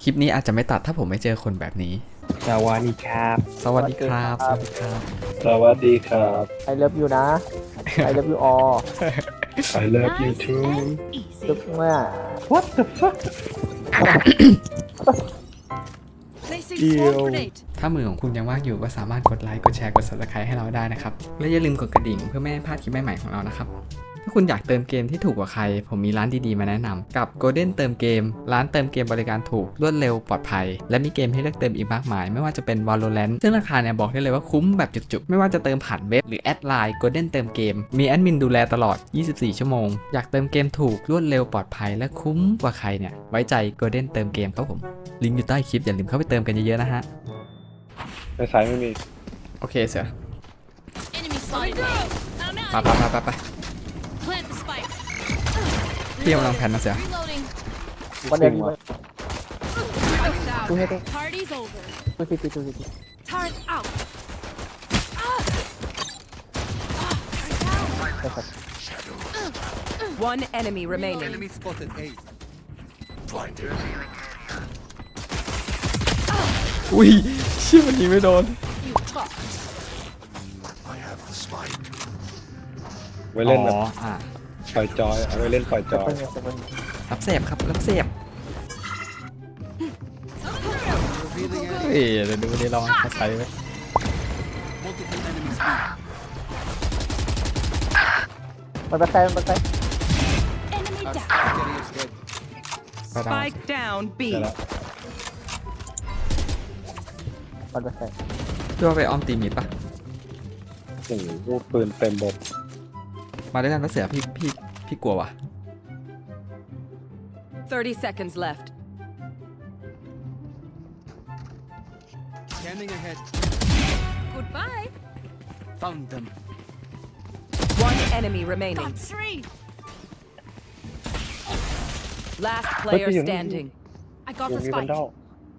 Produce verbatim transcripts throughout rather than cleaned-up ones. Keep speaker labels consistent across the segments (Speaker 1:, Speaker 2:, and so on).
Speaker 1: ลิปนี้อาจจะไม่ตัดถ้าผมไม่เจอคนแบบนี้
Speaker 2: สวัสดีครับ
Speaker 1: สวัสดีครับสวัสดีครับ
Speaker 2: สวัสดีครับ
Speaker 3: I love you นะ I love you all
Speaker 2: I love you too
Speaker 3: ลึกมาก
Speaker 2: What the fuck เดียว
Speaker 1: ถ้ามือของคุณยังว่างอยู่ก็สามารถกดไลค์กดแชร์กด ซับสไครบ์ ให้เราได้นะครับและอย่าลืมกดกระดิ่งเพื่อไม่ให้พลาดคลิปใหม่ๆของเรานะครับถ้าคุณอยากเติมเกมที่ถูกกว่าใครผมมีร้านดีๆมาแนะนำกับ Golden เติมเกมร้านเติมเกมบริการถูกรวดเร็วปลอดภัยและมีเกมให้เลือกเติมอีกมากมายไม่ว่าจะเป็น Valorant ซึ่งราคาเนี่ยบอกได้เลยว่าคุ้มแบบจุกๆไม่ว่าจะเติมผ่านเว็บหรือแอดไลน์ Golden เติมเกมมีแอดมินดูแลตลอดยี่สิบสี่ชั่วโมงอยากเติมเกมถูกรวดเร็วปลอดภัยและคุ้มกว่าใครเนี่ยไว้ใจ Golden เติมเกมครับผมลิงก์อยู่ใต้คลิปอย่าลืมเข้าไปเติมกันเยอะๆนะฮะ
Speaker 2: ในสายไม่มี
Speaker 1: โอเคเสือ
Speaker 4: Enemy spotted. I'm
Speaker 1: ไป
Speaker 4: out.
Speaker 1: ไปไปไป
Speaker 4: Plant the spike.
Speaker 1: พี่กำลังแพนนะเสือ
Speaker 4: Reloading.
Speaker 3: วันเดียวนี้
Speaker 4: Spike's out.
Speaker 3: ดูให้ด้วย
Speaker 4: Party's over.
Speaker 3: ดูสิดูสิดูสิ
Speaker 4: Turret out.
Speaker 3: ใช่ครับ
Speaker 5: One enemy remaining.
Speaker 6: Enemy spotted A.
Speaker 1: อุ้ยเชี่ยวันนี้ไม่โดน
Speaker 4: You fucked.
Speaker 2: ไว้เล่นแบบ
Speaker 1: อ๋ออ่ะ
Speaker 2: ปล่อยจอยเอาไว้เล่นปล่อยจอย
Speaker 3: เป็นไงเป็นไง
Speaker 1: รับเสพครับรับเสพ
Speaker 6: Revealing
Speaker 1: เฮ้ยเดี๋ยวดูดิลองเขาใส่ไว้
Speaker 6: multiple enemies B.
Speaker 3: มันเป็นไงมันเป็นไง
Speaker 4: Enemy
Speaker 6: Our
Speaker 4: down.
Speaker 6: spike carrier's dead.
Speaker 1: ไปดาว
Speaker 5: Spike down
Speaker 2: เดี๋ยว
Speaker 5: B.
Speaker 2: ละ
Speaker 3: มันเป็นไง
Speaker 1: เพื่อไปออมตีมิดปะ
Speaker 2: โอ้โหปืนเต็มบก
Speaker 1: มาด้วยกันก็เสือพี่พี่พี่กลัวว่ะ
Speaker 5: thirty seconds left.
Speaker 6: Scanning ahead.
Speaker 4: Goodbye.
Speaker 6: Found them.
Speaker 5: One enemy remaining.
Speaker 4: Got three.
Speaker 5: Last player
Speaker 2: What's he-
Speaker 5: standing.
Speaker 4: I got
Speaker 2: ยัง
Speaker 4: the
Speaker 2: มีวัน
Speaker 4: spike.
Speaker 2: ดอล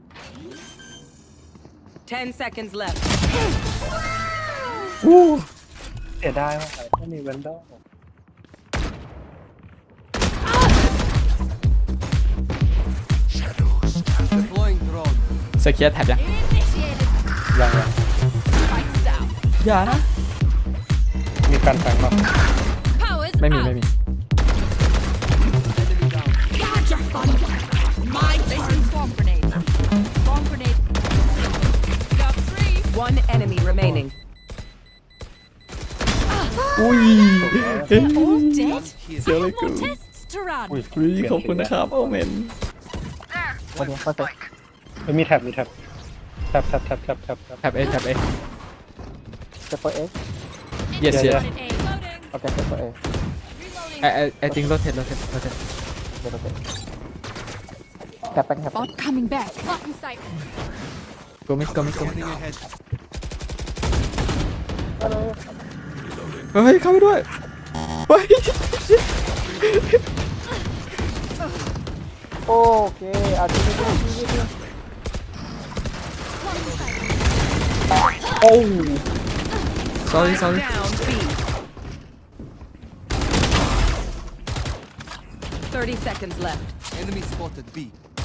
Speaker 5: Ten seconds left.
Speaker 2: เสียดายมากเลยถ้ามีวันดอล
Speaker 6: Deploying drone.
Speaker 1: เสือเคลียร์แท็บยัง
Speaker 4: Initiated.
Speaker 2: ยังยัง
Speaker 4: Spike's down.
Speaker 1: อย่านะ
Speaker 2: มีการแฝงมา
Speaker 4: Powers
Speaker 1: ไม่มี
Speaker 4: out.
Speaker 1: ไม่มี
Speaker 6: Enemy down.
Speaker 4: Gotcha, fun. My placing swarm grenade. Swarm grenade. Got three.
Speaker 5: One enemy remaining.
Speaker 1: อุ้ย
Speaker 4: All dead.
Speaker 6: Here.
Speaker 1: เสียเลยกู
Speaker 4: More tests to run.
Speaker 2: อุ้ย
Speaker 1: อุ้ยขอบคุณนะครับโอเมน
Speaker 3: วันนี้มันเป็น
Speaker 2: ไม่มีแท็บมีแท็บแท็บแท็บแท็บแท็บแท็บแท็บ
Speaker 1: แท็บเอแท็บเอ
Speaker 3: เซฟเฟอร์เอ็ก
Speaker 1: yes yes
Speaker 2: Yeah,
Speaker 4: Spotted A. Loading.
Speaker 3: โอเคเซฟเฟอร์เอ็ก
Speaker 4: Reloading.
Speaker 1: ไอไอไอจริงโรเทตโรเทตโรเทต
Speaker 3: เดี๋ยวโอเคแคปแป้งแคป
Speaker 4: Bot coming back. Bot in sight.
Speaker 1: กูไม่กูไม่กู
Speaker 6: Scanning ahead.
Speaker 1: เฮ้ยเข้าไปด้วยเฮ้ย
Speaker 3: โอเคเอาทีนี้ทีนี้ทีนี้
Speaker 1: โอ้ sorry sorry
Speaker 5: Down B. Thirty seconds left.
Speaker 6: Enemy spotted B.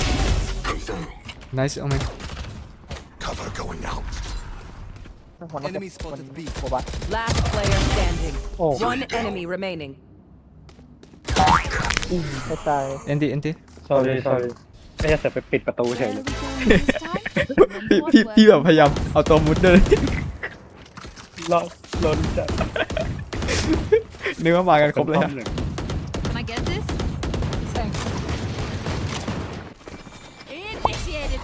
Speaker 1: nice โอเมน
Speaker 6: Enemy spotted B.
Speaker 3: โอบะ
Speaker 5: Last player standing.
Speaker 2: โอ้
Speaker 5: One enemy remaining.
Speaker 3: ให้ตาย
Speaker 1: เอ็นดีเอ็นดี
Speaker 2: sorry sorry ไม่จะเสียไปปิดประตูเฉย
Speaker 4: Where
Speaker 2: เล
Speaker 4: are
Speaker 2: ย
Speaker 4: we going this time?
Speaker 1: พี่พี่พี่แบบพยายามเอาตัวมุดเลย
Speaker 2: รอบล้นจัด
Speaker 1: นึกว่ามากันครบเลย
Speaker 2: ป้อ
Speaker 1: อะ
Speaker 2: มหนึ่ง
Speaker 4: Can I get this? Thanks. Initiated.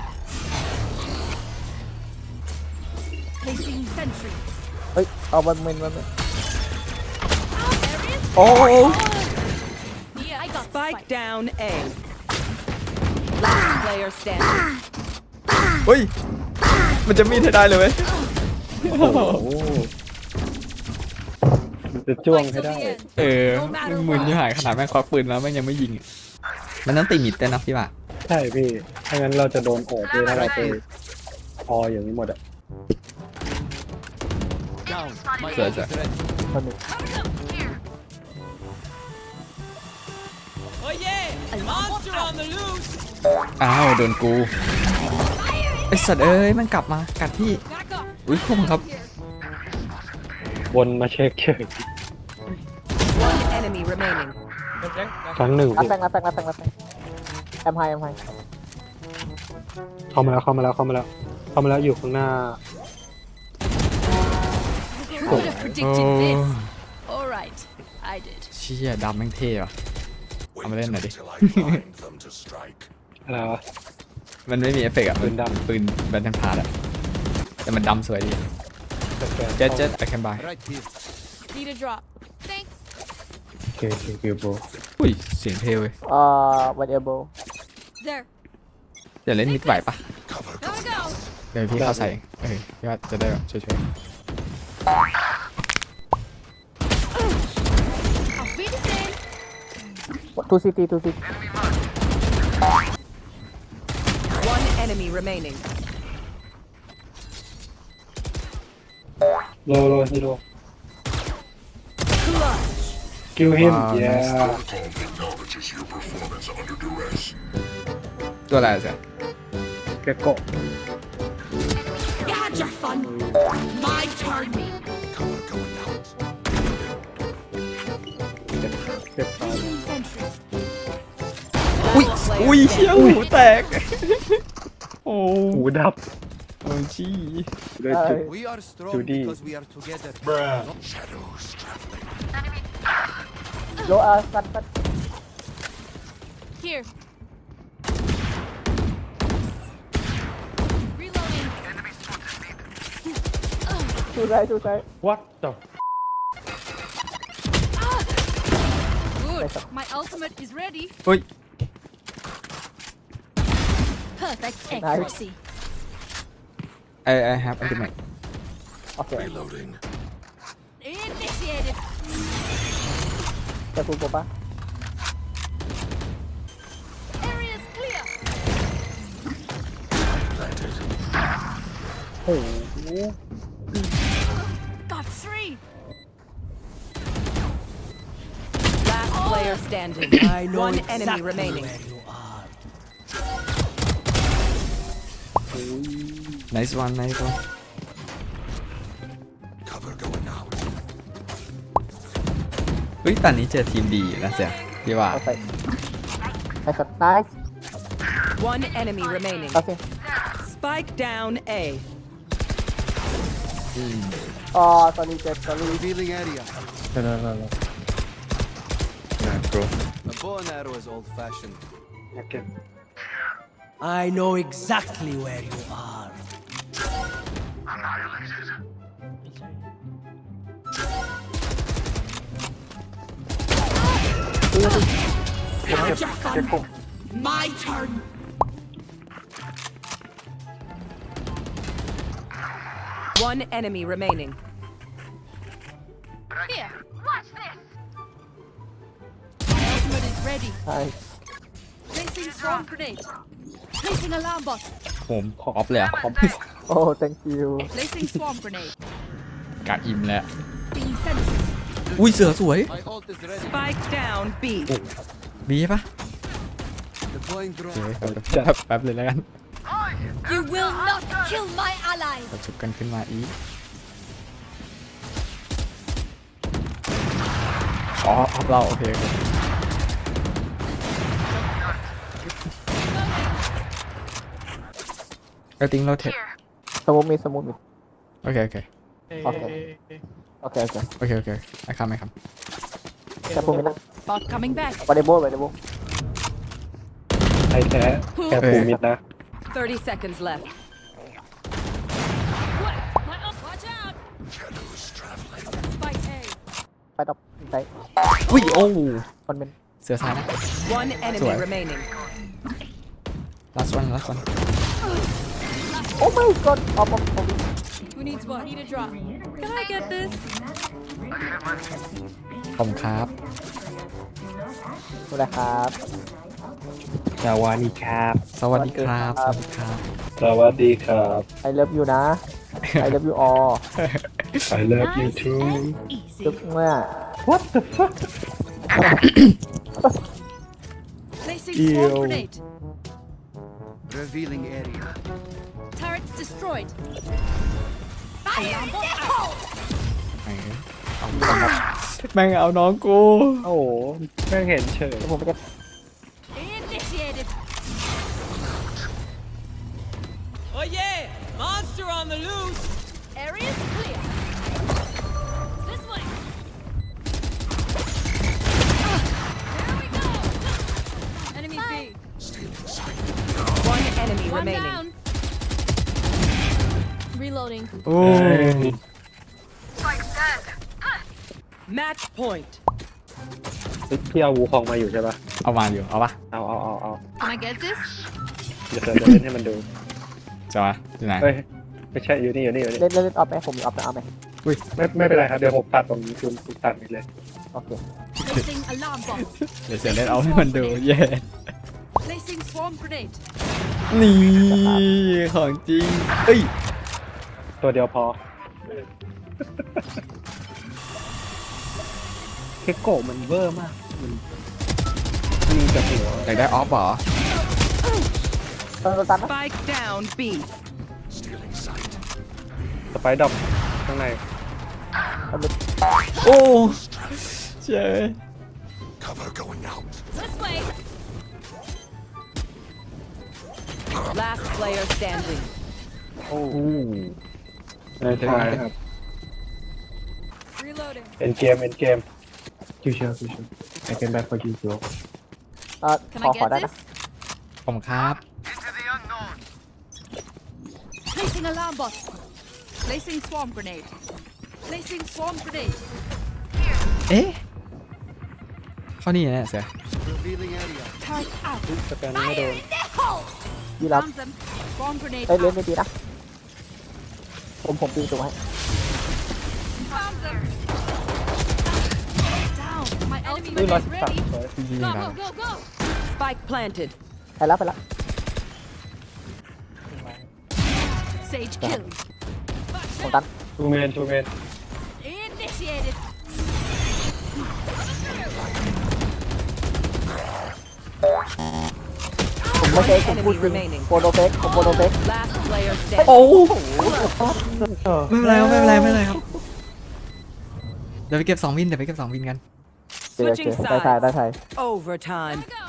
Speaker 4: Placing sentry.
Speaker 3: เฮ้ยเอามันมันมัน
Speaker 4: There it is.
Speaker 1: โอ้
Speaker 4: Yeah, I got the
Speaker 5: Spike
Speaker 4: spike.
Speaker 5: down A. Last player standing.
Speaker 1: เฮ้ยมันจะมีดให้ได้เลยเว้ย
Speaker 2: โอ้โหมันจะจ้วงให้ได้
Speaker 1: เออมึนที่หายขนาดแม่งควักปืนแล้วแม่งยังไม่ยิงอะมันต้องตีมิดด้วยนะพี่บ่า
Speaker 2: ใช่พี่ถ้างั้นเราจะโดนโอบด้วยถ้าเราไปพออย่างนี้หมดอะ
Speaker 6: Down. My
Speaker 1: Sir,
Speaker 6: ult
Speaker 1: sir.
Speaker 6: is ready.
Speaker 3: คนหนึ่ง
Speaker 4: Oh yeah! Monster on the loose!
Speaker 1: อ้าวโดนกูไอสัตว์เอ้ยมันกลับมากัดพี่
Speaker 4: Back up.
Speaker 1: อุ้ยผมครับ
Speaker 2: วนมาเช็คเฉย
Speaker 5: One enemy remaining.
Speaker 2: ครั้งหนึ่ง
Speaker 3: รับ
Speaker 2: พี่
Speaker 3: แฟงรับแฟงรับแฟงรับแฟงแอมไฮแอมไฮ
Speaker 2: เข้ามาแล้วเข้ามาแล้วเข้ามาแล้วเข้ามาแล้วอยู่ข้างหน้า
Speaker 4: Who would have predicted this? All right, I did.
Speaker 1: เชี่ยดำแม่งเท่ว่ะเอามาเล่นหน่อยดิ
Speaker 2: อะไรวะ
Speaker 1: มันไม่มีเอฟเฟกต์อะ
Speaker 2: ปืนดำ
Speaker 1: ปืนแบนทันพาร์ดอะแต่มันดำสวยดี
Speaker 2: สแกน
Speaker 1: เจ็ดเจ็ดไอแคนบาย
Speaker 6: Right here.
Speaker 4: Need a drop. Thanks.
Speaker 2: โอเคโอเคโอเคโบ
Speaker 1: อุ้ยเสียงเท่เว้ย
Speaker 3: เอ่อวันเอลโบ
Speaker 4: There.
Speaker 1: เดี๋ยวเล่นมิดไหวปะ
Speaker 4: Gotta go.
Speaker 1: เดี๋ยวพี่เข้าใส่เองเออพี่ว่าจะได้แบบช่วย
Speaker 4: Auf Wiedersehen.
Speaker 3: ทูซิตี้ทูซิตี้
Speaker 5: One enemy remaining.
Speaker 2: โลโลฮิโร่
Speaker 5: Clutch.
Speaker 2: คิวฮิมเย้
Speaker 1: ๆตัวอะไรอะเสีย
Speaker 2: เกโก้
Speaker 4: You had your fun. My turn.
Speaker 2: เจ็บเจ็บตาย
Speaker 4: Sentry.
Speaker 1: อุ้ย
Speaker 5: Player
Speaker 1: อุ้ยเชี่ย
Speaker 5: standing.
Speaker 1: หูแตก โอ้
Speaker 2: หูดับ
Speaker 1: โอ้ยชี้
Speaker 2: เลยจุด
Speaker 6: We are strong
Speaker 2: Judy.
Speaker 6: because we are together.
Speaker 3: โลอาสันสัน
Speaker 4: Here. Reloading.
Speaker 3: ทูไซทูไซ
Speaker 2: what the
Speaker 4: Good. My ultimate is ready.
Speaker 1: เฮ้ย
Speaker 4: Perfect accuracy.
Speaker 1: I I have ultimate
Speaker 3: โอเค
Speaker 4: Initiated.
Speaker 3: จะพูดกูปะ
Speaker 4: Area's clear.
Speaker 3: โอ้โห
Speaker 4: Got three.
Speaker 5: Last player standing. One enemy remaining.
Speaker 1: nice one nice one เฮ้ยตอนนี้เจอทีมดีนะเสียพี่ว่า
Speaker 3: เอาใส่ใส่สไตล์
Speaker 5: One enemy remaining.
Speaker 3: เอาสิ
Speaker 5: Spike down A.
Speaker 3: อ๋อตอนนี้เจ็บตอนนี้
Speaker 6: Revealing area.
Speaker 2: เดี๋ยวเดี๋ยวเดี๋ยว
Speaker 1: นะโกร
Speaker 6: A bow and arrow is old-fashioned.
Speaker 2: โอเค
Speaker 7: I know exactly where you are.
Speaker 2: เก็บเก็บเก็บกุ้ง
Speaker 4: My turn.
Speaker 5: One enemy remaining.
Speaker 4: Here. Watch this. My ultimate is ready.
Speaker 3: ใช่
Speaker 4: Placing swarm grenade. Placing alarm bot.
Speaker 1: ผมขอออฟเลยอะขอ
Speaker 3: โอ้ thank you
Speaker 4: Placing swarm grenade.
Speaker 1: กะอิ่มแล้ว
Speaker 4: Being sentry.
Speaker 1: อุ้ยเสือสวย
Speaker 6: My ult is ready.
Speaker 5: Spike down B.
Speaker 1: บีปะ
Speaker 6: Deploying
Speaker 1: โอ
Speaker 6: drone.
Speaker 1: เคแป๊บแป๊บเลยแล้วกัน
Speaker 4: You will not kill my allies.
Speaker 1: เราชุบกันขึ้นมาอีกอ๋อออฟเราโอเคโอเคก็ติ้งโรเทต
Speaker 3: สมูทมีสมูทมี
Speaker 1: โอเคโอเค
Speaker 3: โอเคโอเคโอเค
Speaker 1: โอเคโอเคไอ้คำไอ้ค
Speaker 3: จะพูดไม่ได้
Speaker 4: Bot coming back.
Speaker 3: วันเดโบวันเดโบ
Speaker 2: ไทยแท้แค่ปูมิดนะ
Speaker 5: Thirty seconds left.
Speaker 4: What? My ult. Watch out. Spike A.
Speaker 3: ไปดอกใจ
Speaker 1: ำอุ้ยโอ้
Speaker 3: คนเป็น
Speaker 1: เสือซ้ายนะ
Speaker 5: One enemy
Speaker 1: Sorry.
Speaker 5: remaining.
Speaker 1: last one last one
Speaker 3: โอ้ my god ออฟออฟออฟ
Speaker 4: Who needs what? Need a drop. Can I get this?
Speaker 1: ขอบคุณครับ
Speaker 3: ดูแลครับ
Speaker 2: สวัสดีครับ
Speaker 1: สวัสดีครับสวัสดีครับ
Speaker 2: สวัสดีครับ
Speaker 3: ไอเลิฟยูนะไอเลิฟยูออ
Speaker 2: I love you
Speaker 4: Nice
Speaker 2: too
Speaker 4: and easy.
Speaker 3: จุ๊บเมื่อ
Speaker 2: what the fuck
Speaker 4: Placing
Speaker 2: Ew.
Speaker 4: swarm grenade.
Speaker 6: Revealing area.
Speaker 4: Turrets destroyed.
Speaker 1: แม่งเอาน้องกู
Speaker 2: โอ้โหแม่งเห็นเฉย
Speaker 3: เดี๋ยวผมไปจะ
Speaker 4: Initiated.
Speaker 5: Oh yeah! Monster on the loose!
Speaker 4: Area's clear. This way. There we go. Enemy B.
Speaker 5: One enemy
Speaker 4: One
Speaker 5: remaining.
Speaker 4: down. Reloading.
Speaker 1: โอ้
Speaker 5: Match point.
Speaker 2: พี่เอาวูคองมาอยู่ใช่ปะ
Speaker 1: เอามาอยู่ เอาปะ
Speaker 2: เอาเอาเอาเอา
Speaker 4: Can I get this?
Speaker 2: เดี๋ยวเราจะเล่นให้มันดู
Speaker 1: จะมาอยู่ไหน
Speaker 2: เฮ้ยไม่ใช่อยู่นี่อยู่นี่อยู่นี่
Speaker 3: เล่นเล่นเล่นออฟไหมผมมีออฟนะเอาไหม
Speaker 2: ไม่ไม่เป็นไรครับเดี๋ยวผมตัดตรงนี้คุณคุณตัดนี่เลย
Speaker 3: โอเค
Speaker 4: Placing alarm bomb.
Speaker 1: เดี๋ยวเสียเล่นเอาให้มันดู เย้
Speaker 4: Placing swarm grenade.
Speaker 1: นี่ของจริงเอ้ย
Speaker 2: ตัวเดียวพอเคโกะมันเวอร์มากมันมีแต่หัว
Speaker 1: อยากได้ออฟเหรอ
Speaker 3: ตอนตันนะ
Speaker 5: Spike down B.
Speaker 2: สไปด์ดรอปข้างใน
Speaker 1: โอ้เจ๊
Speaker 4: This way.
Speaker 5: Last player standing.
Speaker 2: โอ้ในทายครับ
Speaker 4: Reloading.
Speaker 2: เอ็นเกมเอ็นเกมคิวเชียวคิวเชียวไอเกมแบ็คพอคิวเชียว
Speaker 3: เอ่อ
Speaker 4: Can
Speaker 3: ขอ
Speaker 4: I
Speaker 3: ขอ
Speaker 4: get
Speaker 3: ได้นะ
Speaker 4: this?
Speaker 1: ผมครับ
Speaker 4: Placing alarm bot. Placing swarm grenade. Placing swarm grenade.
Speaker 1: เอ๊ะเข้านี่แน่เสือ
Speaker 6: Revealing area.
Speaker 4: Turret out.
Speaker 2: สแกนไม่โดน
Speaker 3: ยี่รับ
Speaker 4: Found them. Swarm grenade
Speaker 3: เอ้ยเล่น
Speaker 4: out.
Speaker 3: ไม่ดีนะผมผมตีตัวให้
Speaker 4: Found them. Down. My ultimate
Speaker 2: นี่ร้อย
Speaker 4: is
Speaker 2: สิบสาม
Speaker 4: ready.
Speaker 2: สวย
Speaker 1: จริง
Speaker 4: Go
Speaker 1: ๆนะ
Speaker 4: go go go.
Speaker 5: Spike planted.
Speaker 3: ไปแล้วไปแล้ว
Speaker 4: Sage kill.
Speaker 3: ผมตัน
Speaker 2: ทูเมนทูเมน
Speaker 4: Initiated.
Speaker 3: ผมไม่ใช่ผมพูดจริงโปรโดเฟกผมโปรโดเฟก
Speaker 5: Last player standing.
Speaker 1: โอ้ไม่เป็นไรครับไม่เป็นไรไม่เป็นไรครับ เดี๋ยวไปเก็บสองวินเดี๋ยวไปเก็บสองวินกัน
Speaker 3: โอเคโอเค
Speaker 5: Switching
Speaker 3: ได้ใช่ได้
Speaker 5: sides.
Speaker 3: ใช่
Speaker 5: Overtime.
Speaker 4: Go.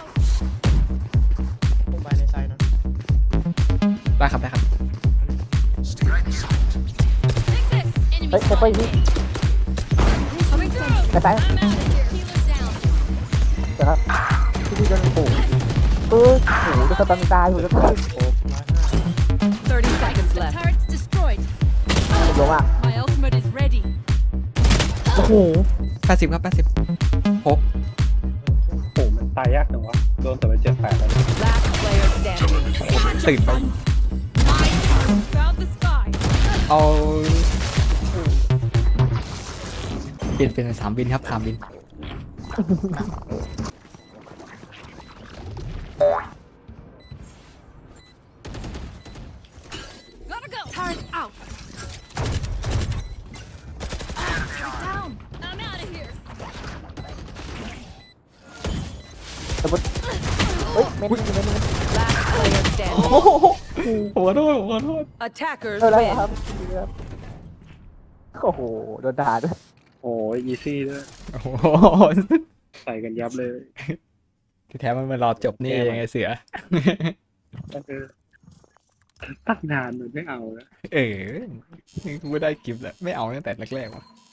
Speaker 2: ผมไปในไซน์นะ
Speaker 1: ได้ครับได้ครับ
Speaker 4: Take this. Enemy
Speaker 3: เฮ้ยไปไป
Speaker 4: spotted.
Speaker 3: นี่
Speaker 4: Coming through.
Speaker 3: ไปไป
Speaker 4: I'm out of here. Healer's down.
Speaker 3: เดี๋ยวครับพี่พี่โดนปู่เออโหจะสตันตายผมจะตาย
Speaker 5: thirty seconds left.
Speaker 4: Turret's destroyed.
Speaker 3: ผมลงอ่ะ
Speaker 4: My ultimate is ready.
Speaker 1: โอ้โหแปดสิบครับแปดสิบหก
Speaker 2: โอ้มันตายยากจังวะโดนแต่ไปเจ็ดแปดแล้ว
Speaker 5: Last player standing.
Speaker 1: ตื่นไป
Speaker 4: My turn. Found the sky.
Speaker 1: เอาเปลี่ยนเป็นสามบินครับสามบิน
Speaker 4: Gotta go. Turret out. Turret down. I'm out of here.
Speaker 3: สมมติเฮ้ยเมนนี่เมนนี่
Speaker 5: Last player standing.
Speaker 1: โอ้โหผมขอโทษผมขอโทษ
Speaker 5: Attackers
Speaker 3: เออแล้ว
Speaker 5: win.
Speaker 3: ครับโอ้โหโดนด่าด้วย
Speaker 2: โอ้ยอีซี่ด้วย
Speaker 1: โอ้โห
Speaker 2: ใส่กันยับเลย
Speaker 1: ที่แท้มันมารอจบนี่เองไงเสือ
Speaker 2: เออตั้งนานมันไม่เอาแล้ว
Speaker 1: เออกูไม่ได้กิฟต์แล้วไม่เอาตั้งแต่แรกๆว่ะ